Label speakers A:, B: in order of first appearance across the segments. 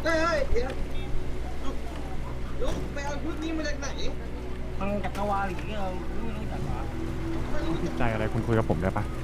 A: เฮ้ยเดี๋ยวลุกไปเอาชุดนี้มาจากไหนฟังจากกวาหรือเราไม่รู้จักหรอ
B: คุณผิดใจอะไรคุณคุยกับผมได้ปะ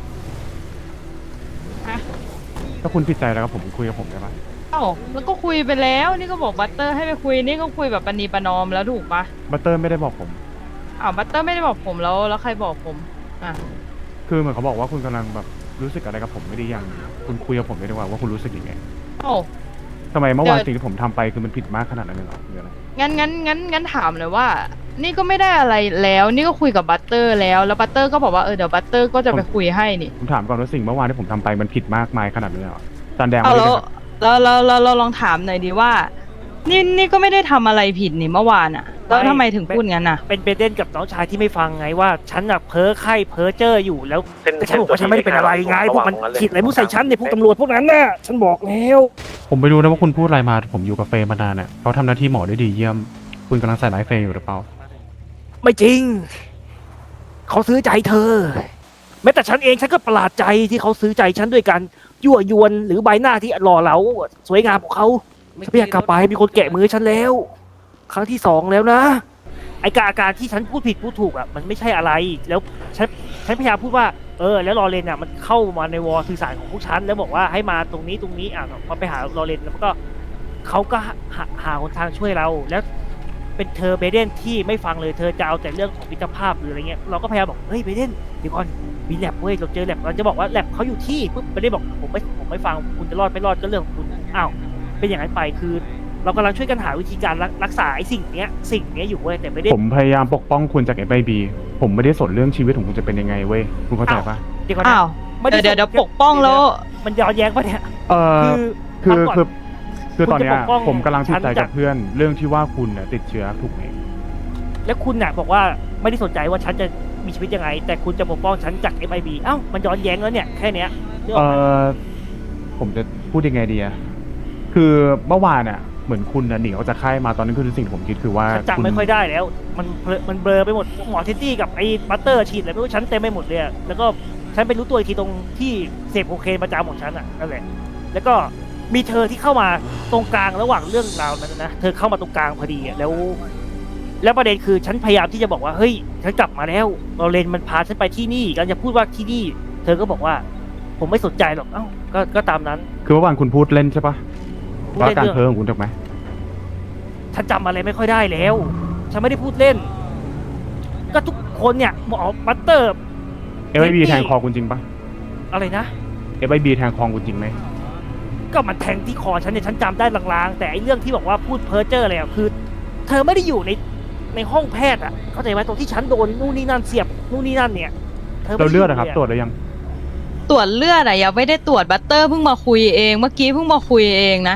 C: ฮะ
B: ถ้าคุณผิดใจแล้วกับผมคุยกับผมได้ปะ
C: เอ้าแล้วก็คุยไปแล้วนี่ก็บอกบัตเตอร์ให้ไปคุยนี่ก็คุยแบบปณีประนอมแล้วถูกปะ
B: บัตเตอร์ไม่ได้บอกผม
C: อ้าวบัตเตอร์ไม่ได้บอกผมแล้วใครบอกผมอ่ะ
B: คือเหมือนเขาบอกว่าคุณกำลังแบบรู้สึกอะไรกับผมไม่ได้ยังคุณคุยกับผมได้ดีกว่าว่าคุณรู้สึกยังไง
C: โอ้า
B: ทำไมเมื่อวานสิ่งที่ผมทำไปคือมันผิดมากขนาดนั้นเลยเหรอหรืออะไร
C: งั้นถามเลยว่านี่ก็ไม่ได้อะไรแล้วนี่ก็คุยกับบัตเตอร์แล้วบัตเตอร์ก็บอกว่าเดี๋ยวบัตเตอร์ก็จะไปคุยให้นี่
B: ผมถามก่อนว่าสิ่งเมื่อวานที่ผมทำไปมันผิดมากมายขนาดนี้เหรอจานแดง
C: เอา
B: ไม่ได้
C: แล้วเราลองถามหน่อยดีว่านี่ก็ไม่ได้ทำอะไรผิดนี่เมื่อวานอ่ะแล้วทำไมถึงพูดงั้นอ่ะ
D: เป็นเบเดนกับน้องชายที่ไม่ฟังไงว่าฉันอะเพ้อไข้เพ้อเจ้ออยู่แล้วแต่ฉันบอกว่าฉันไม่ได้เป็นอะไรไงพวกมันขีดอะไรมุดใส่ฉันในพวกตำรวจพวกนั้นน่ะฉันบอกแล้ว
B: ผมไม่รู้นะว่าคุณพูดอะไรมาผมอยู่กับเฟย์มานานเนี่ยเขาทำหน้าที่หมอได้ดีเยี่ยมคุณกำลังใส่ร้ายเฟย์อยู่หรือเปล่า
D: ไม่จริงเขาซื้อใจเธอแม้แต่ฉันเองฉันก็ประหลาดใจที่เขาซื้อใจฉันด้วยการยั่วยวนหรือใบหน้าที่หล่อเหลาสวยงามของเขาฉันไม่อยากกลับไปมีคนแกะมือฉันแล้วครั้งที่2แล้วนะไอการที่ฉันพูดผิดพูดถูกอ่ะมันไม่ใช่อะไรแล้วฉันพยายามพูดว่าแล้วลอเรนอ่ะมันเข้ามาในวอลสื่อสารของพวกฉันแล้วบอกว่าให้มาตรงนี้อ่ะมาไปหาลอเรนแล้วก็เขาก็หาหนทางช่วยเราแล้วเป็นเธอเบเดนที่ไม่ฟังเลยเธอจะเอาแต่เรื่องของมิตรภาพหรืออะไรเงี้ยเราก็พยายามบอกเฮ้ยเบเดนเดี๋ยวก่อนมีแลบเว้ยเราเจอแลบเราจะบอกว่าแลบเขาอยู่ที่ปุ๊บเบเดนบอกผมไม่ฟังคุณจะรอดไม่รอดก็เรื่องของคุณอ้าวเป็นอย่างนั้นไปคือเรากำลังช่วยกันหาวิธีการรักษาไอ้สิ่งเนี้ยอยู่เว้ยแต่ไม่ได้
B: ผมพยายามปกป้องคุณจาก FIB ผมไม่ได้สนเรื่องชีวิตของคุณจะเป็นยังไงเว้ยคุณเข้าใจปะ
D: เดี๋ยวก่อน
C: อ้าวเดี๋ยวปกป้องแล้ว
D: มันย้อนแย้งปะเนี่ย
B: คือตอนเนี้ยผมกำลังติดใจกับเพื่อนเรื่องที่ว่าคุณติดเชื้อถูกไหม
D: และคุณน่ะบอกว่าไม่ได้สนใจว่าฉันจะมีชีวิตยังไงแต่คุณจะปกป้องฉันจาก FIB เอ้ามันย้อนแย้งแล้วเนี่ยแค่เนี้ย
B: ผมจะพูดยังไงดีอะคือเมื่อวานเหมือนคุณหนีออกจากค่ายมาตอนนั้นคือสิ่งที่ผมคิดคือว่า
D: ฉันจำไม่ค่อยได้แล้วมันเบลอไปหมดหมอเทนตี้กับไอ้บัตเตอร์ฉีดอะไรไม่รู้ฉันเต็มไปหมดเลยแล้วก็ฉันไปรู้ตัวอีกทีตรงที่เสพโคเคนประจำของฉันนั่นแหละแล้วก็มีเธอที่เข้ามาตรงกลางระหว่างเรื่องราวนั้นนะเธอเข้ามาตรงกลางพอดีแล้วประเด็นคือฉันพยายามที่จะบอกว่าเฮ้ยฉันกลับมาแล้วลอเรนมันพาฉันไปที่นี่กันจะพูดว่าที่นี่เธอก็บอกว่าผมไม่สนใจหรอกเอ้าก็ตามนั้น
B: คือเมื่อวานคุณพูดเล่นใช่ปะว่าการเพ้อของคุณถูกไหม
D: ฉันจำอะไรไม่ค่อยได้แล้วฉันไม่ได้พูดเล่นก็ทุกคนเนี่ยหมอบัตเตอร์
B: FIB แทงคอคุณจริงปะ
D: อะไรนะ
B: FIB แทงคอคุณจริงไหม
D: ก็มันแทงที่คอฉันเนี่ยฉันจำได้ลางๆแต่ไอ้เรื่องที่บอกว่าพูดเพ้อเจ้ออะไรคือเธอไม่ได้อยู่ในห้องแพทย์เข้าใจไหมตรงที่ฉันโดนนู่นนี่นั่นเสียบนู่นนี่นั่นเนี่ย
B: เราเลือดนะครับตรวจหรือยัง
C: ตรวจเลือดยังไม่ได้ตรวจบัตเตอร์เพิ่งมาคุยเองเมื่อกี้เพิ่งมาคุยเองนะ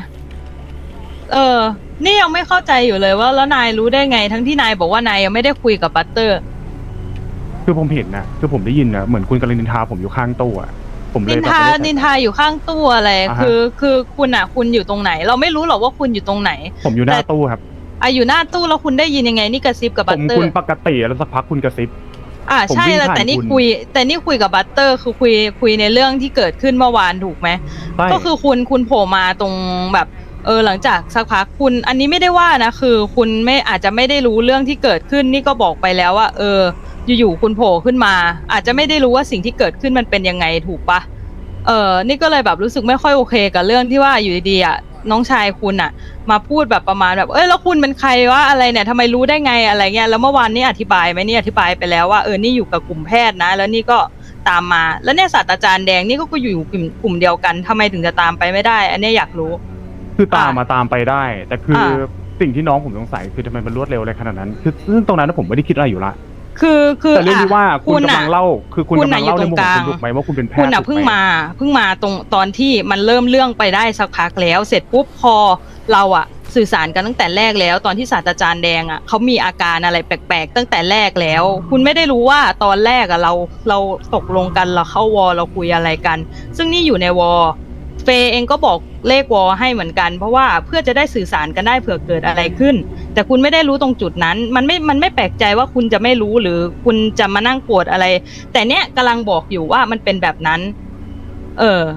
C: นี่ยังไม่เข้าใจอยู่เลยว่าแล้วนายรู้ได้ไงทั้งที่นายบอกว่านายยังไม่ได้คุยกับบัตเตอร์
B: คือผมเห็นนะคือผมได้ยินนะเหมือนคุณกำลังนินทาผมอยู่ข้างตู้ผมเลย
C: นินทาอยู่ข้างตู้อะไรคือคุณอยู่ตรงไหนเราไม่รู้หรอกว่าคุณอยู่ตรงไหน
B: ผมอยู่หน้าตู้ครับ
C: อยู่หน้าตู้แล้วคุณได้ยินยังไงนี่กระซิบกับบัตเตอร์
B: ผมคุณปกติแล้วสักพักคุณกระซิบ
C: ใช่แล้วแต่นี่คุยกับบัตเตอร์คือคุยในเรื่องที่เกิดขึ้นเมื่อวานถูกไหมก็คือคุณโผล่มาตรงแบบหลังจากสักพักคุณอันนี้ไม่ได้ว่านะคือคุณไม่อาจจะไม่ได้รู้เรื่องที่เกิดขึ้นนี่ก็บอกไปแล้วว่าอยู่ๆคุณโผล่ขึ้นมาอาจจะไม่ได้รู้ว่าสิ่งที่เกิดขึ้นมันเป็นยังไงถูกปะนี่ก็เลยแบบรู้สึกไม่ค่อยโอเคกับเรื่องที่ว่าอยู่ดีๆน้องชายคุณมาพูดแบบประมาณแบบแล้วคุณเป็นใครวะอะไรเนี่ยทำไมรู้ได้ไงอะไรเงี้ยแล้วเมื่อวานนี้อธิบายไหมนี่อธิบายไปแล้วว่านี่อยู่กับกลุ่มแพทย์นะแล้วนี่ก็ตามมาแล้วเนี่ยศาสตราจารย์แดงนี่ก็อยู่กลุ่มเดียวกันทำไมถึงจะตามไปไม่ได้อันนี้อยากรู้
B: คือตามไปได้แต่คือสิ่งที่น้องผมสงสัยคือทำไมมันรวดเร็วอะไรขนาดนั้นคือซึ่งตรงนั้นผมไม่ได้คิดอะไรอยู่ละ
C: คือ
B: แต่เรื่องที่ว่าคุณกำลังเล่าคือคุณกำลังเล่าในมุมคุณถูกไหมว่าคุณเป็นแพทย์
C: คุณเพิ่งมาตรงตอนที่มันเริ่มเรื่องไปได้สักพักแล้วเสร็จปุ๊บพอเราสื่อสารกันตั้งแต่แรกแล้วตอนที่ศาสตราจารย์แดงเขามีอาการอะไรแปลกๆตั้งแต่แรกแล้วคุณไม่ได้รู้ว่าตอนแรกเราตกลงกันเราเข้าวอเราคุยอะไรกันซึ่งนี่อยู่ในวอเฟย์เองก็บอกเลขวอให้เหมือนกันเพราะว่าเพื่อจะได้สื่อสารกันได้เผื่อเกิดอะไรขึ้นแต่คุณไม่ได้รู้ตรงจุดนั้นมันไม่แปลกใจว่าคุณจะไม่รู้หรือคุณจะมานั่งโกรธอะไรแต่เนี้ยกำลังบอกอยู่ว่ามันเป็นแบบนั้น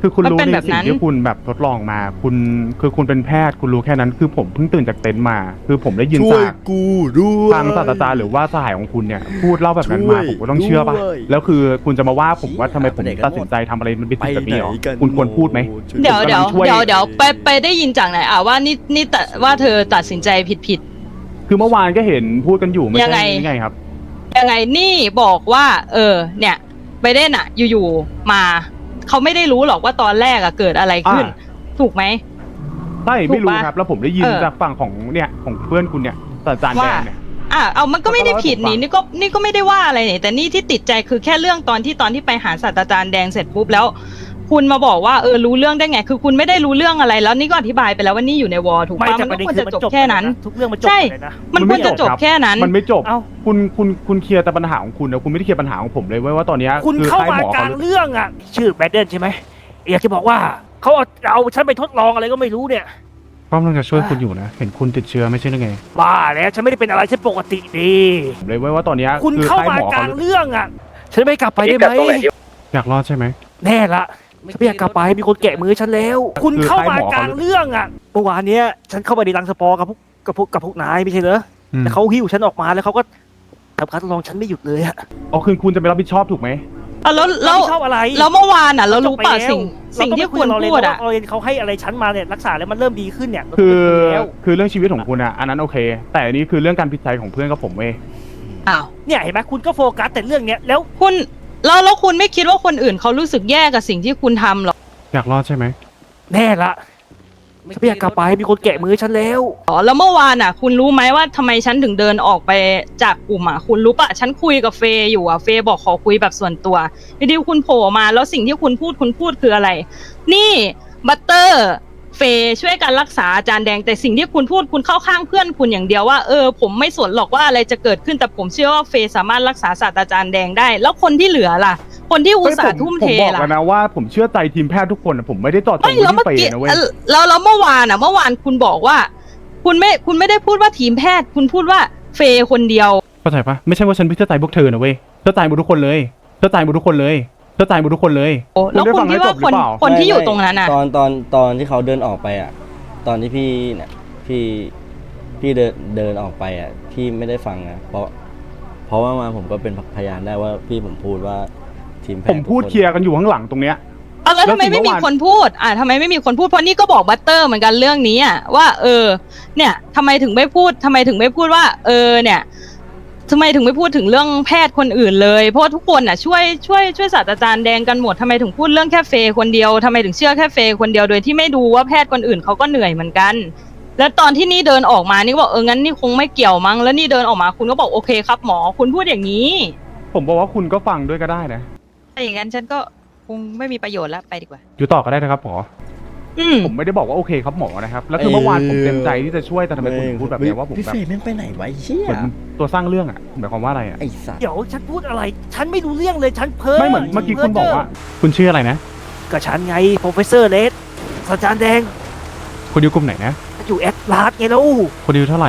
B: คือคุณรู้
C: มันเป็น
B: ใน
C: แบบ
B: สิ่
C: นั้
B: ง
C: น
B: ที่คุณแบบทดลองมาคุณคือคุณเป็นแพทย์คุณรู้แค่นั้นคือผมเพิ่งตื่นจากเต็นท์มา คือผมได้ยิน
E: ช่วย
B: จาก
E: กูด้วย
B: ทางศาสตราจารย์หรือว่าสหายของคุณเนี่ยพูดเล่าแบบนั้นมาผมก็ต้องเชื่อป่ะ
E: ด้วย
B: แล้วคือคุณจะมาว่าผมว่าทำไมผม
E: ไปไหนกัน
B: ตัดสินใจทำอะไรมันเป็น
E: ไป
B: สิ่งแบบ
E: ไหน
B: นี้หรอ
E: กัน
B: คุณควรพูดไหม
E: ช่วย
C: เดี๋ยว
B: ผมกำลั
C: เดี๋ยว
B: งช่วย
C: เดี๋ยวไปได้ยินจากไหนว่านี่แต่ว่าเธอตัดสินใจผิด
B: คือเมื่อวานก็เห็นพูดกันอยู่ไม่
C: ยังไง
B: ใช่ยังไงครับ
C: ยังไงนี่บอกว่าเนี่ยไบเดนอะอยู่ๆมาเขาไม่ได้รู้หรอกว่าตอนแรกอะเกิดอะไรขึ้น ถูกไหม
B: ใช่ไม่รู้
C: ถูกปะ
B: ครับ แล้วผมได้ยิน
C: เออ
B: จากฝั่งของเนี่ยของเพื่อนคุณเนี่ยศาสตราจารย์แด
C: ว่าง
B: เนี่ย
C: เอามันก็ไม่ได้ผิด
B: เขาก็เล่าให้ผมฟัง
C: นี่ก็ไม่ได้ว่าอะไรนี่แต่นี่ที่ติดใจคือแค่เรื่องตอนที่ไปหาศาสตราจารย์แดงเสร็จปุ๊บแล้ว คุณมาบอกว่ารู้เรื่องได้ไง คือคุณไม่ได้รู้เรื่องอะไรแล้วนี่ก็อธิบายไปแล้วว่านี่อยู่ในวอร์ถูก
D: ไม่
C: ปะ
D: แต่
C: มัน
D: ประ
C: ก็
D: เด็น
C: ควร
D: คือ
C: จะ
D: มัน
C: จบ
D: จบ
C: แค่นั้น
D: ทุกเรื่องมันจบ
C: ใช่
D: เลยนะ
C: มันควรจะจบแค่นั้น
B: มันไม่จบ
D: เอ้า
B: คุณเคลียร์แต่ปัญหาของคุณนะคุณไม่ได้เคลียร์ปัญหาของผมเลยเว้ยว่าตอนเนี้ย
D: คุณ
B: คือ
D: เข้า
B: ค่าย
D: มา
B: หมอก
D: ลาง
B: เขา
D: เรื่องอ่ะ ชื่อแบดเดนใช่ไหมอยากจะบอกว่าเขาเอาฉันไปทดลองอะไรก็ไม่รู้เนี่ย
B: ป้อมต้องจะช่วยคุณอยู่นะเห็นคุณติดเชื้อไม่ใช่หรือไง
D: บ้าแล้วฉันไม่ได้เป็นอะไรฉันปกติดี
B: ผมเลยเว้ยว่าตอนเนี้ย
D: คุณ
B: อ
D: เข้า
B: ค่ย
D: มา
B: ห
D: ก
B: เข
D: ลางเรื่องอ่ะ ฉันไม่กลับไปได้ไหม
B: อยากรอดใช่ไหม
D: แน่ละฉันไม่อยากกลับไปมีคนแกะมือฉันแล้ว คุณเข้ามากลางเรื่องอ่ะเมื่อวานเนี้ยฉันเข้าไปในรังสปอร์กับพวกนายไม่ใช่เหรอ
B: อืม
D: แต่เขาหิ้วฉันออกมาแล้วเขาก็ทำการทดลองฉันไม่หยุดเลยอะ
B: อ๋อคือคุณจะไม่รับผิดชอบถูกไหม
C: แล้ว
D: ไม่ชอบอะไร
C: แล้วเมื่อวานอ่ะเรารู้ป่ะ
D: จบไปแล้ว
C: สิ่งที่คุณพูดอ่ะ
D: เราเรียนเขาให้อะไรฉันมาเนี่ยรักษาแล้วมันเริ่มดีขึ้นเนี่ยเรา
B: คือ
D: ก็ไม่คุยแล้ว
B: คือเรื่องชีวิตของคุณอ่ะอันนั้นโอเค แต่อันนี้คือเรื่องการผิดใจของเพื่อนกับผมเว้ย
C: อ้าว
D: เนี่ยเห็นไหมคุณก็โฟกัสแต่เรื่องเนี้ยแล้ว
C: คุณแล้วคุณไม่คิดว่าคนอื่นเขารู้สึกแย่กับสิ่งที่คุณทำหรอ
B: อยากรอดใช่ไหม
D: แน่ละฉันไม่อยากกลับไปมีคนแกะมือฉันแล้ว
C: แล้วเมื่อวานอ่ะ คุณรู้ไหมว่าทำไมฉันถึงเดินออกไปจากกลุ่มอ่ะคุณรู้ปะฉันคุยกับเฟย์อยู่อ่ะเฟย์บอกขอคุยแบบส่วนตัวอยู่ดีคุณโผล่มาแล้วสิ่งที่คุณพูดคืออะไร นี่บัตเตอร์เฟย์ช่วยกันรักษาอาจารย์แดงแต่สิ่งที่คุณพูดคุณเข้าข้างเพื่อนคุณอย่างเดียวว่าผมไม่สนหรอกว่าอะไรจะเกิดขึ้นแต่ผมเชื่อว่าเฟย์สามารถรักษาศาสตราจารย์แดงได้ แล้วคนที่เหลือล่ะ คนที่อุตส่าห์ทุ่มเท
B: ผมบอก
C: ล่ะ
B: แล้วนะว่าผมเชื่อใจทีมแพทย์ทุกคนอะผมไม่ได้ต่อจง
C: ไม่
B: ไป
C: แล้วเมื่อ
B: ที่เฟ
C: กี้
B: ย์นะเว้ย
C: แล้วเมื่อวานคุณบอกว่า คุณไม่ได้พูดว่าทีมแพทย์ คุณพูดว่าเฟย์คนเดียว
B: เข้าใจปะไม่ใช่ว่าฉันไม่เชื่อใจพวกเธอนะเว้ยเชื่อใจหมดทุกคนเลยเชื่อใจหมดทุกคนเลยเชื่อใจหมดทุกคนเลย
C: แล้ว
B: ได้
C: คุ
B: ฟั
C: ณ
B: ง
C: คิด
B: ให้จ
C: ว่า
B: บหรือเปล่า
C: คนที่อยู่ตรงนั้นอ่ะ
F: ตอนที่เขาเดินออกไปอ่ะ ตอนที่พี่เนี่ยพี่เดินออกไปอ่ะพี่ไม่ได้ฟังนะเพราะว่ามาผมก็เป็นพยานได้ว่าพี่ผมพูดว่าทีมแพทย์
B: ผมพูด
F: ทุกน
B: เคลียร์กันอยู่ข้างหลังตรงเนี้ย
C: แล้วทำไมไม่มีคนพูดทำไมไม่มีคนพูดเพราะนี่ก็บอกบัตเตอร์เหมือนกันเรื่องนี้อ่ะว่าเนี่ยทำไมถึงไม่พูดว่าเนี่ยทำไมถึงไม่พูดถึงเรื่องแพทย์คนอื่นเลยเพราะว่าทุกคนอ่ะช่วยศาสตราจารย์แดงกันหมดทำไมถึงพูดเรื่องแค่เฟย์คนเดียวทำไมถึงเชื่อแค่เฟย์คนเดียวโดยที่ไม่ดูว่าแพทย์คนอื่นเขาก็เหนื่อยเหมือนกัน แล้วตอนที่นี่เดินออกมานี่ก็บอกงั้นนี่คงไม่เกี่ยวมั้งแล้วนี่เดินออกมาคุณก็บอกโอเคครับหมอคุณพูดอย่างนี้
B: ผมบอกว่าคุณก็ฟังด้วยก็ได้นะ
C: ถ้าอย่างนั้นฉันก็คงไม่มีประโยชน์แล้วไปดีกว่า
B: อยู่ต่อก็ได้นะครับหมอ ผมไม่ได้บอกว่าโอเคครับหมอนะครับ แล้วคือเมื่อวานผมเต็มใจที่จะช่วยแต่ทำไมคุณถึงพูดแบบนี้ว่าผม
E: พี่
B: แบบ
E: เฟย์แม่งไปไหนวะไอ้เชี่ย
B: เหมือนตัวสร้างเรื่องอ่ะหมายความว่าอะไรอ่ะ
E: ไอ้สัตว์
D: เดี๋ยวฉันพูดอะไร ฉันไม่รู้เรื่องเลยฉันเพ้อ
B: ไม่เหมือนเมื่อกี้คุณบอกว่า คุณชื่ออะไรนะ
D: ก็ฉันไงโปรเฟสเซอร์เลสศาสตราจารย์แดง
B: คุณอยู่กลุ่มไหนนะ
D: อยู่แอดลาสไงแล้ว
B: คุณอายุเท่าไหร่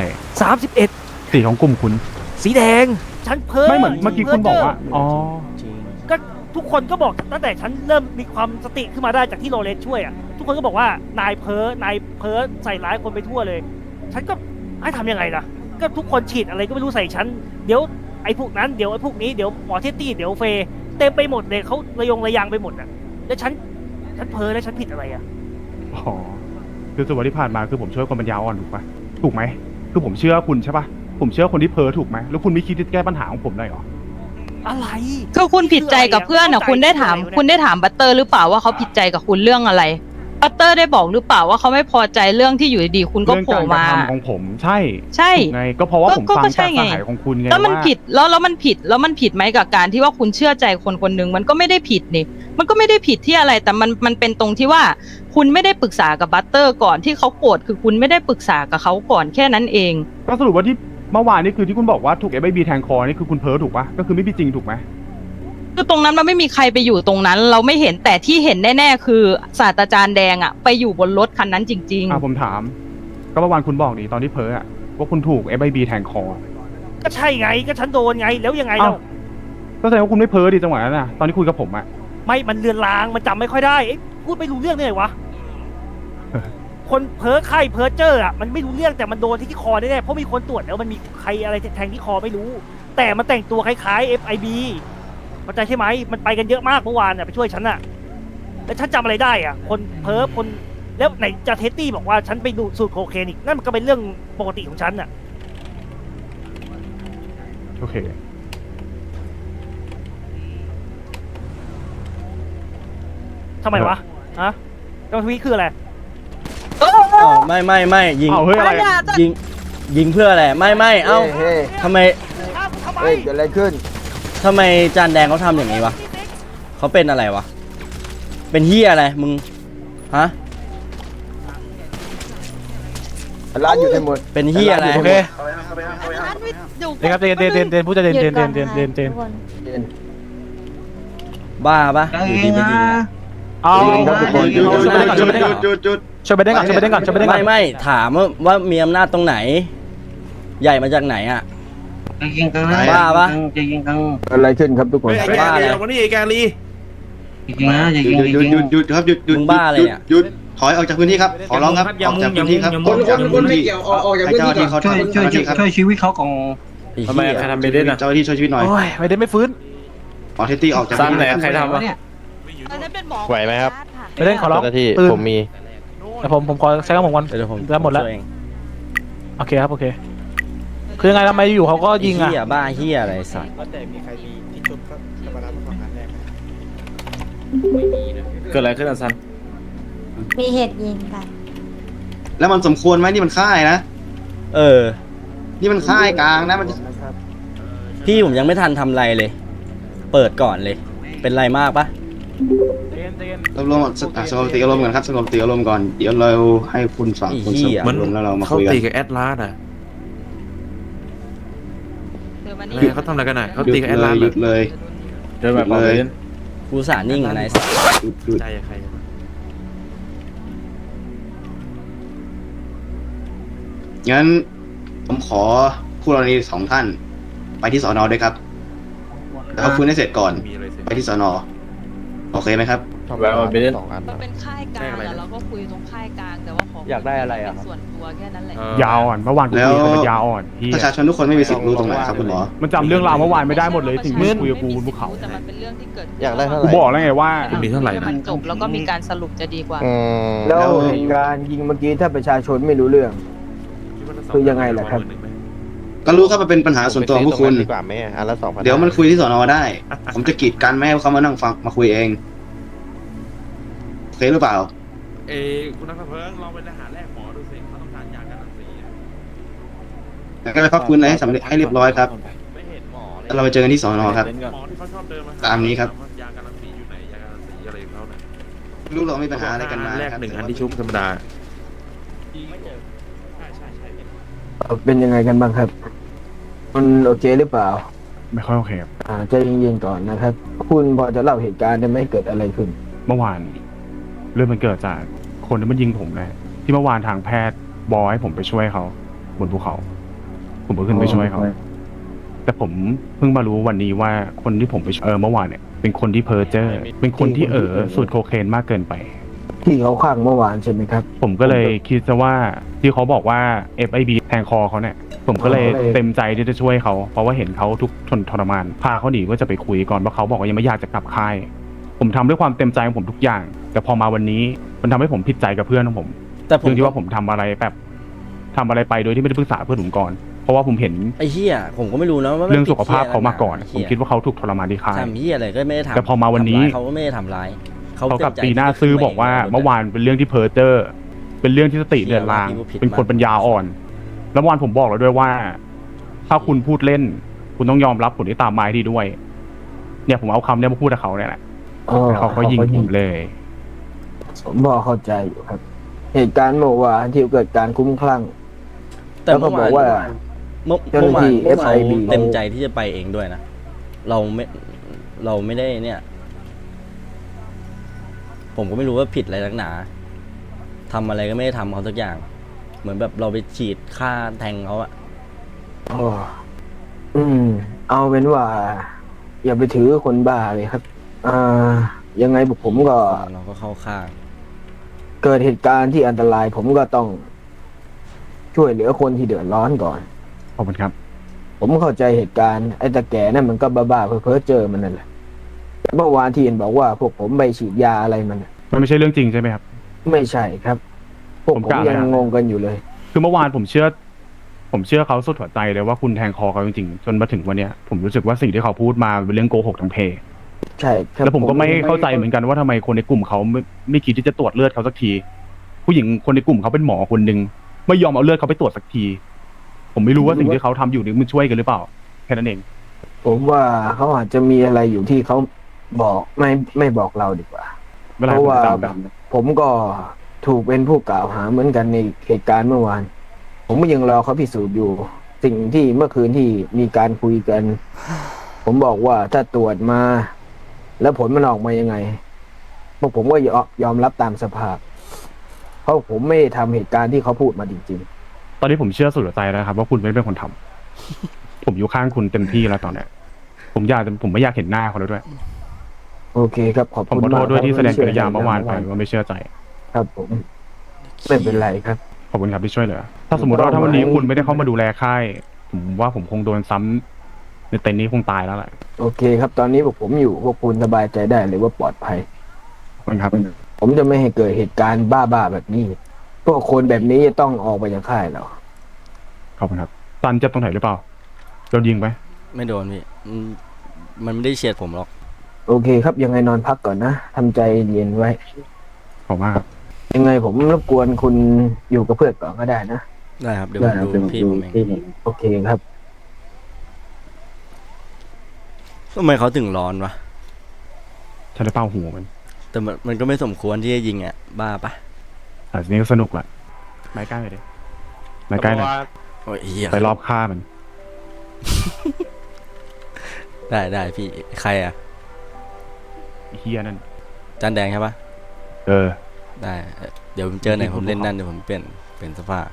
D: 31
B: สีของกลุ่มคุณ
D: สีแดง ฉันเพ้อ
B: ไม่เหมือนเมื่อกี้คุณบอกว่าอ๋อ
F: จริง
D: ก็ทุกคนก็บอกตั้งแต่ฉันเริ่มมีความสติขึ้นมาได้จากที่โรเลสช่วยอ่ะทุกคนก็บอกว่านายเพ้อใส่ร้ายคนไปทั่วเลย ฉันก็ให้ทำยังไงล่ะ ก็ทุกคนฉีดอะไรก็ไม่รู้ใส่ฉันเดี๋ยวไอ้พวกนั้นเดี๋ยวไอ้พวกนี้เดี๋ยวหมอเทตตี้เดี๋ยวเฟย์เต็มไปหมดเลยเขาระยางไปหมดอ่ะแล้วฉันเพ้อแล้วฉันผิดอะไรอ่ะ
B: อ๋อคือสุดวันที่ผ่านมาคือผมช่วยคนปัญญาอ่อนถูกปะถูกไหมคือผมเชื่อคุณใช่ปะผมเชื่อคนที่เพ้อถูกไหมแล้วคุณไม่คิดที่จะแก้ปัญหาของผมหน่อยเหรอ
D: อะไร
C: คือคุณผิดใจกับเพื่อนอ่ะคุณได้ถามบัตเตอร์หรือเปล่าว่าเขาผิดใจกับคุณเรื่องอะไรบัตเตอร์ได้บอกหรือเปล่าว่าเขาไม่พอใจเรื่องที่อยู่ดีๆคุณก็
B: เรื่อง
C: โผล่
B: การกระ
C: มา
B: ทำของผมใช่
C: ใช่
B: ถูกไงก็เพราะว่าผมฟัง
C: ก็ใช่
B: จาก
C: ไง
B: สหายของคุณไง
C: แล้วมัน
B: ว่า
C: ผิดแล้วมันผิดไหมกับการที่ว่าคุณเชื่อใจคนคนหนึ่งมันก็ไม่ได้ผิดนี่มันก็ไม่ได้ผิดที่อะไรแต่มันเป็นตรงที่ว่าคุณไม่ได้ปรึกษากับบัตเตอร์ก่อนที่เขาโกรธคือคุณไม่ได้ปรึกษากับเขาก่อนแค่นั้นเอง
B: ก็สรุปว่าที่เมื่อวานนี่คือที่คุณบอกว่าถูก FIB แทงคอนี่คือคุณเพ้อถูกปะก็คือไม่มีจริงถูกไหม
C: คือตรงนั้นมันไม่มีใครไปอยู่ตรงนั้น เราไม่เห็นแต่ที่เห็นแน่ๆคือศาสตราจารย์แดงอะไปอยู่บนรถคันนั้นจริง
B: ผมถาม ก็เมื่อวานคุณบอกนี่ตอนที่เพ้ออะว่าคุณถูก FIB แทงคอ
D: ก็ใช่ไงก็ฉันโดนไงแล้วยังไง
B: เอ้า
D: เรา
B: ก็แสดงว่าคุณไม่เพ้อดีจังหวะนั้นนะตอนที่คุยกับผมอะ
D: ไม่มันเลือนลางมันจำไม่ค่อยได้เอ๊ะพูดไม่รู้เรื่องได้ไงวะ คนเพ้อไข้เพ้อเจ้ออ่ะมันไม่รู้เรื่องแต่มันโดนที่คอแน่ๆเพราะมีคนตรวจแล้วมันมีใครอะไรแทงที่คอไม่รู้ แต่มันแต่งตัวคล้ายๆ FIB เข้าใจใช่ไหมมันไปกันเยอะมากเมื่อวานอ่ะไปช่วยฉันอ่ะแล้วฉันจำอะไรได้อ่ะคนเพ้อคนแล้วไหนจะเทสตี้บอกว่าฉันไปดูสูตรโคเคนอีกนั่นมันก็เป็นเรื่องปกติของฉันอ่ะ
B: โอเค
D: ทำไมวะฮะกรรมทวีคืออะไร
F: อ๋อไม่ยิง
B: เอาเฮ้ยอะไร
F: ยิงเพื่ออะไรไม่เอ้า
G: เฮ้ย
F: ทำไม
D: ทำไม
G: เฮ้ยเกิดอะไรขึ้น
F: ทำไมจานแดงเขาทำอย่างนี้วะเขาเป็นอะไรวะเป็นเฮียอะไรมึงฮะ
G: ร้านอยู่ในหมด
F: เป็นเฮียอะไร
B: โอเค
C: ร้านวิทยุ
B: เดนครับเดนพูดจะเดน
F: บ้าปะอยู่ดีไปยิงอะ
B: เอา
A: หยุด
B: ช่วยไปเด้งก่อนช่วยไปเด้งก่อนช่วยไปเด้งก่อน
F: ไม่ถามว่ามีอำนาจตรงไหน ใหญ่มาจากไหนอ่ะ
A: จะยิงกัน
F: บ้าปะ
A: จะยิงกัน
G: เกิดอะไรขึ้นครับทุกคน
F: บ้าอะไร
A: จริงนะจะยิงหยุดครับหยุด
F: มึงบ้าอะไรเนี่ย
A: หยุดถอยออกจากพื้นที่ครับขอร้องครับออกจากพื้นที่ครับคนไม่เกี่ยวออกจากพื้นที่เขาช่วยชีวิตเขาของ
F: ไอ้เหี้ย
A: เจ้าหน้าที่ช่วยชีวิตหน่อย
B: โอ้ยไม่ได้ไม่ฟื้น
A: ขอเทสตี้ออกจากพื้นที่
H: ใครทำวะ
C: อันนั้นเป็นหมอ
H: ไหวไหมครับ
B: ไปเด้งขอร้อง
H: เจ้าหน้าที่
B: ตื่น
H: ผมมี
B: แต่ผมขอใช้คำผมก่อน
F: เดี๋ยวผม
B: แล้วหมดแล้ว
F: ช่ยเอง
B: โอเคครับโอเค คือยังไงทำไมอยู่เขาก็ยิงอ่ะ
F: ไอ้เหี้ยบ้าเหี้ยอะไรสัตว์
H: แต่มีใครมีที่ชุบก็มารับของกันแรกเกิดอะไรขึ้นอ่ะซัน
I: มีเหตุยิงกัน
A: แล้วมันสมควรไหมนี่มันค่ายนะ
F: เออ
A: นี่มันค่ายกลางนะมัน
F: พี่ผมยังไม่ทันทำอะไรเลย เปิดก่อนเลย เป็นไรมากปะ
A: รวมสงบสติอารมณ์ก่อนครับสงบสติอารมณ์ก่อนเดี๋ยวเราให้คุณฝั่งคุณสงบอารมณ์แล้วเรามา
J: เขา
A: คุยกัน
J: ตีกับแอดลาสอ่ะ
C: เดี๋ยวมา
J: อะไร
C: นี่
J: เขาทำอะไรกันอ่ะเขา
A: หยุ
J: ตี
A: ด
J: กับแอด
A: เล
J: ลาย ส
A: หยุดเลย
H: เดินแบบเลย
F: กูสานิ่งอะนายสัตว์
A: หยุด
J: ใจใคร
A: งั้นผมขอคู่กรณีสองท่าน ไปที่สอนอด้วยครับแล้วเอาฟื้นให้เสร็จก่อน
J: มีอะไรเสร็จ
A: ไปที่สอนอโอเคไหมครับ
H: แล้วมันไปเล่น
C: มันเป็นค่ายกลางอะเราก็คุยตรงค่ายกลางแต่ว่าขออย
H: ากได้อะไรอะ
C: ส่วนตัวแค่นั้นแหละ
B: ยาวอ่อนเมื่อวานกูคุยกับมันยาวอ่อนพี่
A: ประชาชนทุกคนไม่มีสิทธิ์รู้ตรงไหนครับคุณหมอ
B: มันจำเรื่องราวเมื่อวานไม่ได้หมดเลยถึงมึงคุยกับกูบนภูเขา
C: แต่มันเป็นเรื่องที่เกิดขึ้น
H: อยากได้เท่าไห
B: กู
H: ร่
B: บอกแล้วไงว่า
J: คุณมีเท่าไหร่นะ
C: มันจบแล้วก็มีการสรุปจะดีกว่า
G: แล้วเหตุการณ์ยิงเมื่อกี้ถ้าประชาชนไม่รู้เรื่อง คือยังไงล่ะครับ
A: ก็รู้ครับมันเป็นปัญหาส่วนตัวของพวกคุณ
H: ดีกว่าไหมอันละ2,000
A: เดี๋ยวมันคุยที่สอนอได้ ผมจะกีดกันไม่ให้เขามานั่งฟังมาคุยเองโอเคหรือเปล่า
J: คุณนักเพิ่งลองไปหาแรกหมอดูสิเขาต้องการยากันรังสีอะ
A: แล้วก็ไปพักฟื้นอะไรให้สำเร็จให้เรียบร้อยครับ
J: ไม่เห็นหมอเลย
A: แล้วเราไปเจอกันที่สอนอครับ
J: หมอที่เขาชอบเดินมา
A: ตามนี้ครับ
J: ยากันรังสีอยู่ไหนยากันรังสีอะไรของเขาเนี่ย
A: รู้เรามีปัญหาอะไรกันมา
J: แรก
A: ครับ
J: หนึ่งอันที่ชุบธรรมดา
G: เป็นยังไงกันบ้างครับ มันโอเคหรือเปล่า
B: ไม่ค่อยโอเคครับ
G: ใจเย็นๆก่อนนะครับ คุณพอจะเล่าเหตุการณ์ได้ไหมเกิดอะไรขึ้น
B: เมื่อวานเรื่องมันเกิดจากคนที่มันยิงผมนะที่เมื่อวานทางแพทย์บอกให้ผมไปช่วยเขาบนภูเขา ผมก็ขึ้นไปช่วยเขา แต่ผมเพิ่งมารู้วันนี้ว่าคนที่ผมไปช่วยเมื่อวานเนี่ยเป็นคนที่เพ้อเจ้อเป็นคนที่สูตรโคเคนมากเกินไป
G: ที่เขาข้างเมื่อวานใช่ไหมครับ
B: ผมก็เลยคิดซะว่าที่เขาบอกว่า FIB แทงคอเขาเนี่ยผมก็เลยเต็มใจที่จะช่วยเขาเพราะว่าเห็นเขาทุกทรมานพาเขาหนีก็จะไปคุยก่อนเพราะเขาบอกว่ายังไม่อยากจะกลับค่าย ผมทำด้วยความเต็มใจของผมทุกอย่าง แต่พอมาวันนี้มันทำให้ผมผิดใจกับเพื่อนของผม
F: แต่ผม
B: เรื่องที่ว่าผมทำอะไรไปโดยที่ไม่ได้ปรึกษาเพื่อนผมก่อนเพราะว่าผมเห็น
F: ไอ้เหี้ยผมก็ไม่รู้นะว่ามัน
B: เรื่องสุขภาพเขามาก่อน
F: ไอ้
B: ผ
F: เหี้
B: ม
F: ย
B: คิดว่าเขาถูกทรมานที่ค่าย
F: ทำเหี้ยอะไรก็ไม่ได้ทำ
B: แต่พอมาวันนี้
F: ทำร้ยเขาก็ไม่ได้ทำร้าย
B: เขากลับตีหน้าซื่อบอกว่าเมื่อวานเป็นเรื่องที่เพ้อเจ้อเป็นเรื่องที่สติเดือนลางเป็นคนปัญญาอ่อน แล้วเมื่อวานผมบอกแล้วด้วยว่า ถ้าคุณพูดเล่น คุณต้องยอมรับผลที่ตามมาให้ดีด้วย เนี่ยผมเอาคำเนี้ยมาพูดกับเขาเนี่ยแหละเขาก็ยิงผมเลย
G: ผมพอเข้าใจอยู่ครับ เหตุการณ์เมื่อวานที่เกิดการคุ้มคลั่ง
F: แต่
G: แล้วก็บอกว่า
F: เมื่อ
G: เจ้าหน้าที่
F: วานเขา
G: FIB
F: เต็มใจที่จะไปเองด้วยนะเราไม่ได้เนี่ย ผมก็ไม่รู้ว่าผิดอะไรนักหนาทำอะไรก็ไม่ได้ทำเขาสักอย่าง เหมือนแบบเราไปฉีดฆ่าแทงเขาอะ
G: เอาเป็นว่า อย่าไปถือคนบ้าเลยครับยังไงผมก็
F: เราก็เข้าข้าง
G: เกิดเหตุการณ์ที่อันตราย ผมก็ต้องช่วยเหลือคนที่เดือดร้อนก่อน
B: ขอบคุณครับ
G: ผมเข้าใจเหตุการณ์ไอ้ตาแก่นั่นมันก็บ้าๆเพ้อๆเจอมันนั่นแหละแต่เมื่อวานที่เห็นบอกว่าพวกผมไปฉีดยาอะไรมันน่ะ
B: มันไม่ใช่เรื่องจริงใช่ไหมครับ
G: ไม่ใช่ครับ พวก
B: ผม
G: ผม
B: กล้า
G: ยัง
B: เลยนะ
G: งงกันอยู่เลย
B: คือเมื่อวานผมเชื่อเขาสุดหัวใจเลยว่าคุณแทงคอเขาจริงๆจนมาถึงวันเนี้ยผมรู้สึกว่าสิ่งที่เขาพูดมาเป็นเรื่องโกหกทั้งเพ
G: ใช่ครับ
B: แล้วผมก็ไม่เข้าใจเหมือนกันว่าทำไมคนในกลุ่มเขาไม่คิดที่จะตรวจเลือดเขาสักที ผู้หญิงคนในกลุ่มเขาเป็นหมอคนหนึ่งไม่ยอมเอาเลือดเขาไปตรวจสักที ผมไม่รู้ว่าสิ่งที่เขาทำอยู่นี่มันช่วยกันหรือเปล่าแค่นั้นเอง
G: ผมว่าเขาอาจจะมีอะไรอยู่ที่เขาบอกไม่บอกเราดีกว่า
B: เวลา
G: เพ
B: ผม
G: ราะว่า
B: ตามแบบ
G: ผมก็ถูกเป็นผู้กล่าวหาเหมือนกันในเหตุการณ์เมื่อวาน ผมก็ยังรอเขาพิสูจน์อยู่ สิ่งที่เมื่อคืนที่มีการคุยกัน ผมบอกว่าถ้าตรวจมา แล้วผลมันออกมายังไงพวกผมก็ยอมรับตามสภาพ เพราะผมไม่ได้ทำเหตุการณ์ที่เขาพูดมาจริง
B: ตอนนี้ผมเชื่อสุดหัวใจแล้วครับว่าคุณไม่ได้เป็นคนทำ ผมอยู่ข้างคุณเต็มที่แล้วตอนเนี้ยผมไม่อยากเห็นหน้าเขาแล้วด้วย
G: ๆ โอเคครับขอบ
B: ผม
G: คุณ
B: ขอโท
G: มา
B: ษ
G: ก
B: ด้วยที่
G: ค
B: แส
G: รับ
B: ดงกิริยาเมื่อวานไปว่าไม่เชื่อใจ
G: ครับผม ไม่เป็นไรครับ
B: ขอบคุณครับที่ช่วยเหลือ ถ้าสมมติว่าถ้าวันนี้คุณไม่ได้เข้ามาดูแลค่าย ผมว่าผมคงโดนซ้ำในเต็นท์นี้คงตายแล้วแหละ
G: โอเคครับ ตอนนี้พวกผมอยู่พวกคุณสบายใจได้เลยว่าปลอดภัย
B: ขอบคุณครับ
G: ผมจะไม่ให้เกิดเหตุการณ์บ้าๆแบบนี้ พวกคนแบบนี้จะต้องออกไปจากค่ายเรา
B: ขอบคุณครับตันเจ็บตรงไหนหรือเปล่าโดนยิงไหม
F: ไม่โดนพี่มันไม่ได้เฉียดผมหรอก
G: โอเคครับยังไงนอนพักก่อนนะทำใจเย็นไว้
B: ขอบมากครับ
G: ยังไงผมรบกวนคุณอยู่กับเพื่อนก่อนก็ได้นะ
F: ได้ครับ เดี๋ยวผมดูพี่ผมเอง
G: โอเคครับ
F: ทำไมเขาถึงร้อนวะ
B: ฉันได้เป้าหัวมัน
F: แต่มันก็ไม่สมควรที่จะยิงอ่ะ บ้าปะ
B: แต่ทีนี้ก็สนุกแหละไม้ใกล้เลยดิไม้ใกล้หน่อย
F: โอ้ยเหี้ย
B: ไปรอบฆ่ามัน
F: ได้พี่ใครอ่ะ
B: ไอ้เฮียนั่น
F: จานแดงใช่ปะ
B: เออ
F: ได้เดี๋ยวผมเจอไหนผมเล่นนั่นเดี๋ยวผมเปลี่ยนเสื้อผ้า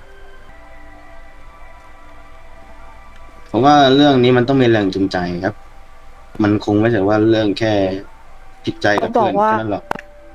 A: ผมว่าเรื่องนี้มันต้องมีแรงจูงใจครับ มันคงไม่ใช่ว่าเรื่องแค่ผิดใจกับเพื่อนแค่นั้นหรอก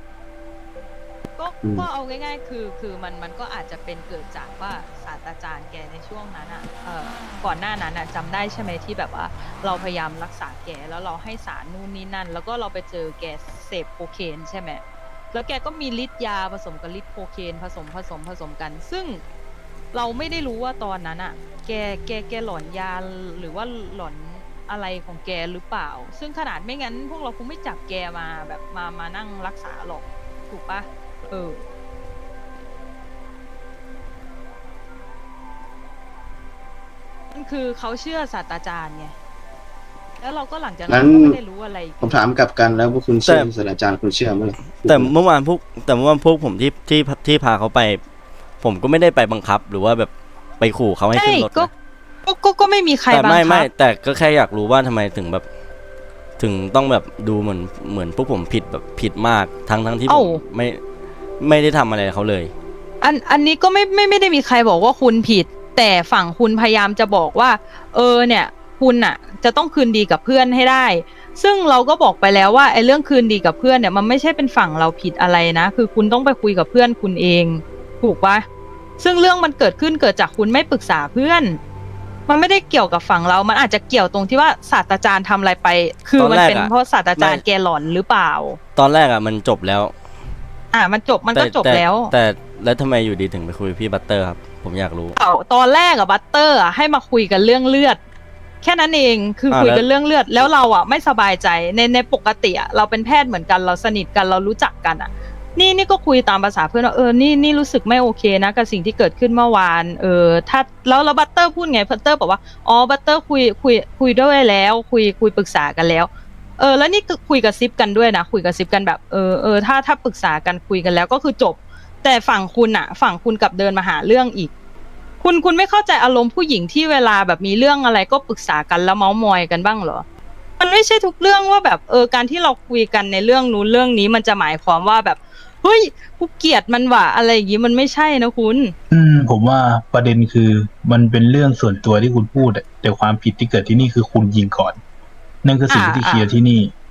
C: ก็เอาง่ายๆคือมันก็อาจจะเป็นเกิดจากว่าศาสตราจารย์แกในช่วงนั้นอ่ะก่อนหน้านั้นอ่ะจำได้ใช่ไหมที่แบบว่าเราพยายามรักษาแกแล้วเราให้สารนู่นนี่นั่น แล้วก็เราไปเจอแกเสพโคเคนใช่ไหมแล้วแกก็มีฤทธิ์ยาผสมกับฤทธิ์โคเคนผสมกัน ซึ่งเราไม่ได้รู้ว่าตอนนั้นอ่ะแกหลอนยาหรือว่าหลอนอะไรของแกหรือเปล่า ซึ่งขนาดไม่งั้นพวกเราคงไม่จับแกมาแบบมานั่งรักษาหรอกถูกปะมันคือเขาเชื่อศาสตราจารย์ไง แล้วเราก็หลังจากนั้นก็ไม่ได้รู้อะไร
A: ผมถามกลับกันแล้วพวกคุณเชื่อศาสตราจารย์คุณเชื่อไหม
F: แต่เมื่อวานพวกผมที่พาเขาไป ผมก็ไม่ได้ไปบังคับ หรือว่าแบบไปขู่เขาให้ขึ้นรถนะ
C: ก็ไม่มีใคร
F: แต่
C: บังคั
F: ไม่
C: บ
F: แต่ก็แค่อยากรู้ว่าทำไมถึงแบบถึงต้องแบบดูเหมือนพวกผมผิดแบบผิดมากทั้งที่ผมไม่ได้ทำอะไรเขาเลย
C: อันนี้ก็ไม่ได้มีใครบอกว่าคุณผิด แต่ฝั่งคุณพยายามจะบอกว่าเนี่ยคุณอ่ะจะต้องคืนดีกับเพื่อนให้ได้ ซึ่งเราก็บอกไปแล้วว่าไอ้เรื่องคืนดีกับเพื่อนเนี่ยมันไม่ใช่เป็นฝั่งเราผิดอะไรนะคือคุณต้องไปคุยกับเพื่อนคุณเองถูกปะซึ่งเรื่องมันเกิดจากคุณไม่ปรึกษาเพื่อนมันไม่ได้เกี่ยวกับฝั่งเรามันอาจจะเกี่ยวตรงที่ว่าศาสตราจารย์ทำอะไรไป คือมันเป็นเพราะศาสตราจารย์แกหลอนหรือเปล่า
F: ตอนแรกอ่ะมันจบแล้ว
C: มันก็จบแล้ว
F: แต่แล้วทำไมอยู่ดีถึงไปคุยพี่บัตเตอร์ครับผมอยากรู้
C: ตอนแรกอะบัตเตอร์อะให้มาคุยกันเรื่องเลือดแค่นั้นเองคือคุยกันเรื่องเลือดแล้วเราอะไม่สบายใจในปกติอะเราเป็นแพทย์เหมือนกันเราสนิทกันเรารู้จักกันอะนี่ก็คุยตามภาษาเพื่อนว่านี่รู้สึกไม่โอเคนะกับสิ่งที่เกิดขึ้นเมื่อวานถ้าแล้วบัตเตอร์พูดไงบัตเตอร์บอกว่าอ๋อบัตเตอร์คุยด้วยแล้วคุยปรึกษากันแล้วแล้วนี่คุยกับซิปกันด้วยนะคุยกับซิปกันแบบถ้าปรึกษากันคุยกันแล้วก็คือจบแต่ฝั่งคุณกลับเดินมาหาเรื่องอีกคุณไม่เข้าใจอารมณ์ผู้หญิงที่เวลาแบบมีเรื่องอะไรก็ปรึกษากันแล้วเมาท์มอยกันบ้างเหรอมันไม่ใช่ทุกเรื่องว่าแบบการที่เราคุยกันในเรื่องนู้นเรื่องนี้มันจะหมายความว่าแบบเฮ้ยกูเกลียดมันว่ะอะไรอย่างงี้มันไม่ใช่นะคุณ
K: ผมว่าประเด็นคือมันเป็นเรื่องส่วนตัวที่คุณพูดแต่ความผิดที่เกิดที่นี่คือคุณยิงก่อนนั่นคือสิ่งที่เคลียร์ที่นี่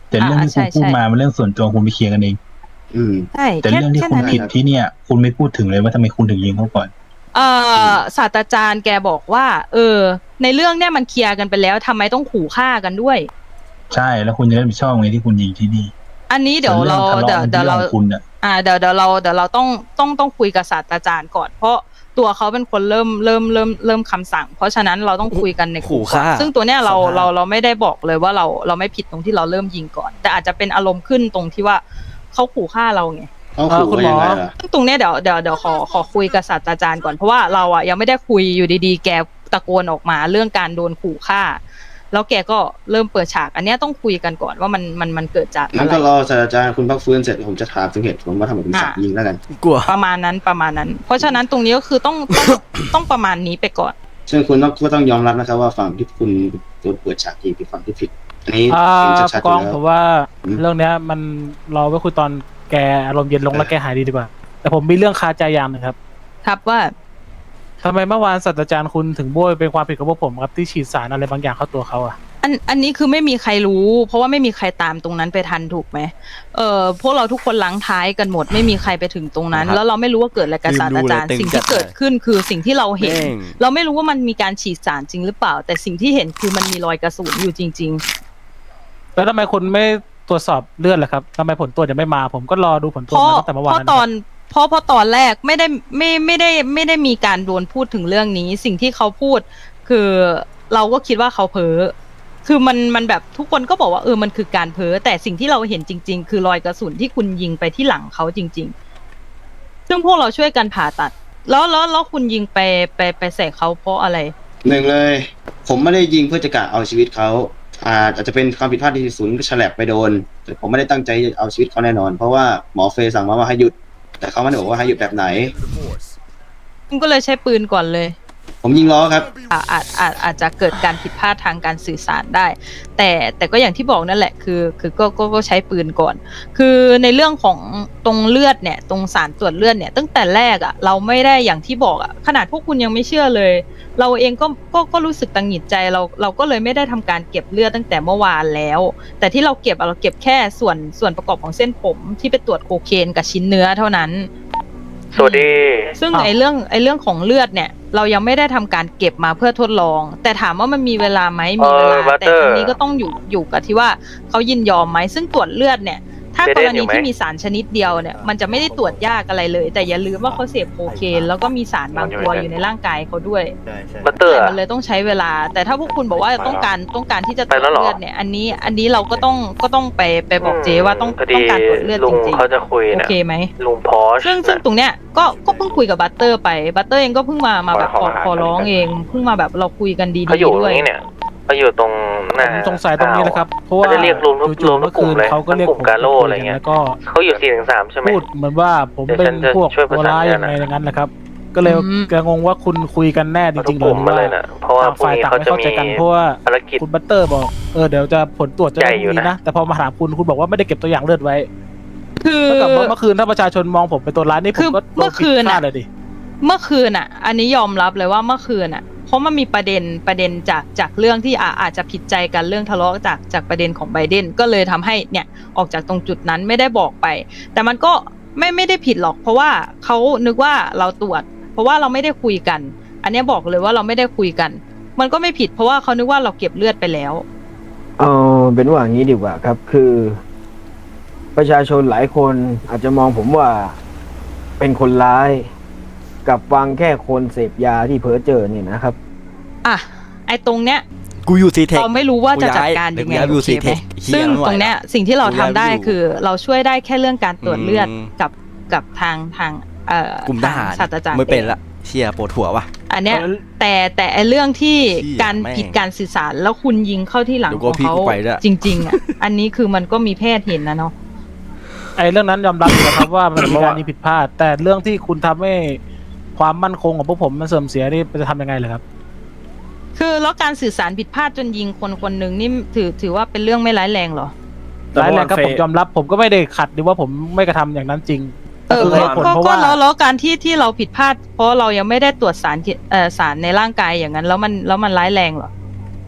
K: แต่เรื่องที่คุณพูดมามันเรื่องส่วนตัวคุณไปเคลียร์กันเอง
C: ใช่
K: แต่เรื่องที่คุณผิดที่เนี่ย คุณไม่พูดถึงเลยว่าทำไมคุณถึงยิงเขาก่อน
C: ศาสตราจารย์แกบอกว่า ในเรื่องเนี้ยมันเคลียร์กันไปแล้วทำไมต้องขู่ฆ่ากันด้วย
K: ใช่แล้วคุณจะรับผิดชอบไงที่คุณยิงที่นี่
C: อันนี้เดี๋ยวเราเดี๋ยวเราเดี๋ยวเราต้องคุยกับศาสตราจารย์ก่อนเพราะตัวเขาเป็นคนเริ่มคำสั่งเพราะฉะนั้นเราต้องคุยกันในกลุ่มก่อนซึ่งตัวเนี้ยเราไม่ได้บอกเลยว่าเราไม่ผิดตรงที่เราเริ่มยิงก่อนแต่อาจจะเป็นอารมณ์ขึ้นตรงที่ว่าเขาขู่ฆ่าเราไง
A: คุณหมอ
C: ซึ่งตรงเนี้ยเดี๋ยวขอคุยกับศาสตราจารย์ก่อนเพราะว่าเราอ่ะยังไม่ได้คุยอยู่ดีๆแกตะโกนออกมาเรื่องการโดนขู่ฆ่าแล้วแกก็เริ่มเปิดฉากอันนี้ต้องคุยกันก่อนว่ามันเกิดจากอะไรงั้น
A: ก็รอศาสตราจารย์คุณพักฟื้นเสร็จผมจะถามถึงเหตุผลว่าทำไมถึงสั่งยิงแล้วกัน
F: กลัว
C: ประมาณนั้นเพราะฉะนั้นตรงนี้ก็คือต้องประมาณนี้ไปก่อน
A: ซึ่งคุณก็ต้องยอมรับนะครับว่าฝั่งที่คุณโดนเปิดฉากยิงเป็นฝั่งที่ผิดอันนี้ชัดๆอยู่แล้ว
D: ผมว่าเรื่องนี้มันรอไว้คุยตอนแกอารมณ์เย็นลงแล้วแกหายดีกว่าแต่ผมมีเรื่องคาใจอย่างนึง
C: ครับว่า
D: ทำไมเมื่อวานศาสตราจารย์คุณถึงโบยเป็นความผิดของพวกผมครับที่ฉีดสารอะไรบางอย่างเข้าตัวเขาอ่ะ
C: อันนี้คือไม่มีใครรู้เพราะว่าไม่มีใครตามตรงนั้นไปทันถูกไหมพวกเราทุกคนล้างท้ายกันหมดไม่มีใครไปถึงตรงนั้นแล้วเราไม่รู้ว่าเกิดอะไรกับศาสตราจารย์สิ่งที่เกิดขึ้นคือสิ่งที่เราเห็นเราไม่รู้ว่ามันมีการฉีดสารจริงหรือเปล่าแต่สิ่งที่เห็นคือมันมีรอยกระสุนอยู่จริง
D: ๆแล้วทำไมคุณไม่ตรวจสอบเลือดล่ะครับทำไมผลตรวจยังไม่มาผมก็รอดูผลตรวจมาตั้งแต่เมื่อวาน
C: เพราะตอนแรกไม่ได้มีการโดนพูดถึงเรื่องนี้สิ่งที่เขาพูดคือเราก็คิดว่าเขาเพ้อคือมันแบบทุกคนก็บอกว่ามันคือการเพ้อแต่สิ่งที่เราเห็นจริงๆคือรอยกระสุนที่คุณยิงไปที่หลังเขาจริงๆซึ่งพวกเราช่วยกันผ่าตัดแล้วคุณยิงไปใส่เขาเพราะอะไร
A: หนึ่งเลยผมไม่ได้ยิงเพื่อจะกะเอาชีวิตเขาอาจจะเป็นความผิดพลาดที่ศูนย์ฉลับไปโดนแต่ผมไม่ได้ตั้งใจเอาชีวิตเขาแน่นอนเพราะว่าหมอเฟย์สั่งมาว่าให้หยุดแต่เขาไม่ได้บอกว่าให้หยุดแบบไหน
C: คุณก็เลยใช้ปืนก่อนเลย
A: ผมยิงล้อครับ
C: อาจจะเกิดการผิดพลาดทางการสื่อสารได้แต่ก็อย่างที่บอกนั่นแหละคือก็ใช้ปืนก่อนคือในเรื่องของตรงเลือดเนี่ยตรงสารตรวจเลือดเนี่ยตั้งแต่แรกเราไม่ได้อย่างที่บอกขนาดพวกคุณยังไม่เชื่อเลยเราเองก็รู้สึกตังหงิดใจเราก็เลยไม่ได้ทำการเก็บเลือดตั้งแต่เมื่อวานแล้วแต่ที่เราเก็บแค่ส่วนประกอบของเส้นผมที่ไปตรวจโคเคนกับชิ้นเนื้อเท่านั้น
D: สวัสดี
C: ซึ่งไอ้เรื่องของเลือดเนี่ยเรายังไม่ได้ทำการเก็บมาเพื่อทดลองแต่ถามว่ามันมีเวลาไหมมีเวลาแต่ทีนี้ก็ต้องอยู่กับที่ว่าเขายินยอมไหมซึ่งตรวจเลือดเนี่ยถ้ากรณีที่มีสารชนิดเดียวเนี่ยมันจะไม่ได้ตรวจยากอะไรเลยแต่อย่าลืมว่าเขาเสพโคเคนแล้วก็มีสารบางตัวอยู่ในร่างกายเขาด้วยแต่มันเลยต้องใช้เวลาแต่ถ้าพวกคุณบอกว่าต้องการที่จะตรวจเลือดเนี่ยอันนี้เราก็ต้องไปบอกเจว่าต้องการตรวจเลือดจริงๆ
D: เขาจะคุย
C: โอเคไหม
D: ลุงพอ
C: ซึ่งตรงเนี้ยก็เพิ่งคุยกับบัตเตอร์ไปบัตเตอร์เองก็เพิ่งมาแบบขอร้องเองเพิ่งมาแบบเราคุยกันดีๆด้วย
D: เขาอยู่ตรงหน้าสงสัยตรงนี้แหละครับเพราะว่าเรียกรวมเมื่อคืนเขาก็เรียกผมกาโลอะไรเงี้ยก็เขาอยู่4-3ใช่ไหมพูดเหมือนว่าผมเป็นพวกโบราณยังไงอย่างนั้นแหละครับก็เลยงงว่าคุณคุยกันแน่จริงๆหรือว่าฝ่ายต่างไม่เข้าใจกันเพราะว่าคุณบัตเตอร์บอกเดี๋ยวจะผลตรวจจะได้ดีนะแต่พอมาถามคุณบอกว่าไม่ได้เก็บตัวอย่างเลือดไว้
C: คือ
D: เมื่อคืนถ้าประชาชนมองผมเป็นตัวร้ายนี่ผมก็
C: เมื่อคืนอันนี้ยอมรับเลยว่าเมื่อคืนเพราะมันมีประเด็นจากเรื่องที่อาจจะผิดใจกันเรื่องทะเลาะจากประเด็นของไบเดนก็เลยทำให้เนี่ยออกจากตรงจุดนั้นไม่ได้บอกไปแต่มันก็ไม่ได้ผิดหรอกเพราะว่าเขานึกว่าเราตรวจเพราะว่าเราไม่ได้คุยกันอันนี้บอกเลยว่าเราไม่ได้คุยกันมันก็ไม่ผิดเพราะว่าเขานึกว่าเราเก็บเลือดไปแล้ว
G: เป็นว่างี้ดีกว่าครับคือประชาชนหลายคนอาจจะมองผมว่าเป็นคนร้ายกับฟังแค่คนเสพยาที่เพ้อเจอเนี่ยนะครับ
C: ไอ้ตรงเนี้ย
F: กูอยู่ซีเทค
C: เราไม่รู้ว่าจะจัดการยังไงโอเคไหมซึ่งตรงเนี้ยสิ่งที่เราทำได้คือเราช่วยได้แค่เรื่องการตรวจเลือดกับทาง
F: กลุ่มทหาร
C: ศาสตราจารย์
F: ไม่เป็นละเชียร์ปวดหัวว่ะ
C: อันเนี้ยแต่ไอ้เรื่องที่การผิดการสื่อสารแล้วคุณยิงเข้าที่หลังของเขาจริงๆอันนี้คือมันก็มีแพทย์เห็นนะเนาะ
D: ไอ้เรื่องนั้นยอมรับนะครับว่ามันมีการยิงผิดพลาดแต่เรื่องที่คุณทำให้ความมั่นคงของพวกผมมันเสื่อมเสียนี่จะทำยังไงเลยครับ
C: คือแล้วการสื่อสารผิดพลาดจนยิงคนหนึ่งนี่ถือว่าเป็นเรื่องไม่ร้ายแรงหรอ
D: ร้ายแรงก็ผมยอมรับผมก็ไม่ได้ขัดหรือว่าผมไม่กระทำอย่างนั้นจริง
C: ก็แล้วการที่เราผิดพลาดเพราะเรายังไม่ได้ตรวจสารในร่างกายอย่างนั้นแล้วมันร้ายแรงหรอ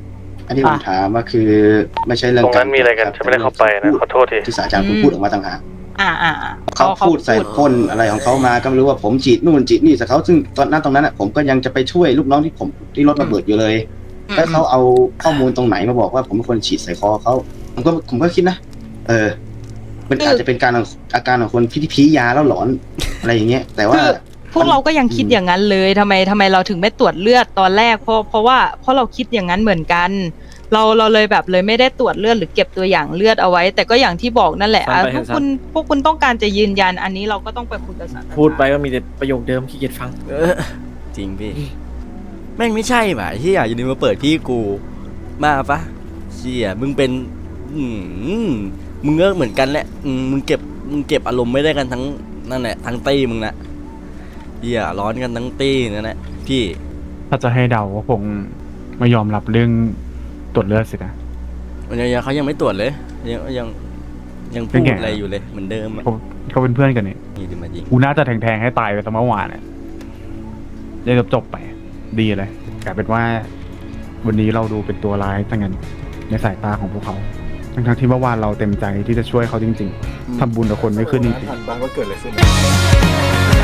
A: อันที่ผมถามว่าคือไม่ใช่เรื่อง
B: ตรงนั้นมีอะไรกันฉันไม่ได้เข้าไปนะขอโทษที
A: ที่ศาสตราจารย์คุณพูดออกมาต่างหาก เขา
C: เขา
A: พูดใส่พ่นอะไรของเขามาก็ไม่รู้ว่าผมจีดนู่นจีดนี่แต่เขาซึ่งตอนนั้นผมก็ยังจะไปช่วยลูกน้องที่รถระเบิดอยู่เลยแล้วเขาเอาข้อมูลตรงไหนมาบอกว่าผมเป็นคนฉีดใส่คอเขาผมก็คิดนะมันอาจจะเป็นอาการของคนที่พียาแล้วหลอนอะไรอย่างเงี้ยแต่ว่า
C: พวกเราก็ยังคิดอย่างนั้นเลยทำไมเราถึงไม่ตรวจเลือดตอนแรกเพราะเราคิดอย่างนั้นเหมือนกันเราเลยแบบเลยไม่ได้ตรวจเลือดหรือเก็บตัวอย่างเลือดเอาไว้ แต่ก็อย่างที่บอกนั่นแหละพวกคุณต้องการจะยืนยันอันนี้เราก็ต้องไปคุยกับศาล
H: พูดไปก็มีแต่ประโยคเดิมขี้เกียจฟัง
F: จริงพี่ แม่งไม่ใช่ป่ะที่อยากอยู่ดีมาเปิดพี่กูมาปะเชี่ยมึงเป็นมึงก็เหมือนกันแหละมึงเก็บอารมณ์ไม่ได้กันทั้งนั่นแหละทั้งตี้มึงนะเหี้ยร้อนกันทั้งตี้นั่นแหละพี่
B: ถ้าจะให้เดาก็คงไม่ยอมรับเรื่องตรวจเลือดสินะ
F: มันยังเขายังไม่ตรวจเลยยังพูดอะไรอยู่เลยเหมือนเดิมอะ
B: เขาเป็นเพื่อนกันนี่
F: นี่ดิมายิง
B: กูน่าจะแทงให้ตายไปตั้งเมื่อวานเนี่ยได้จบไปดีเลยกลายเป็นว่าวันนี้เราดูเป็นตัวร้ายทั้งนั้นในสายตาของพวกเขาทั้งที่เมื่อวานเราเต็มใจที่จะช่วยเขาจริงๆทำบุญกับคนไม่ขึ้นจริงๆ
E: ทันบ้างว่าเกิดอะไรขึ้น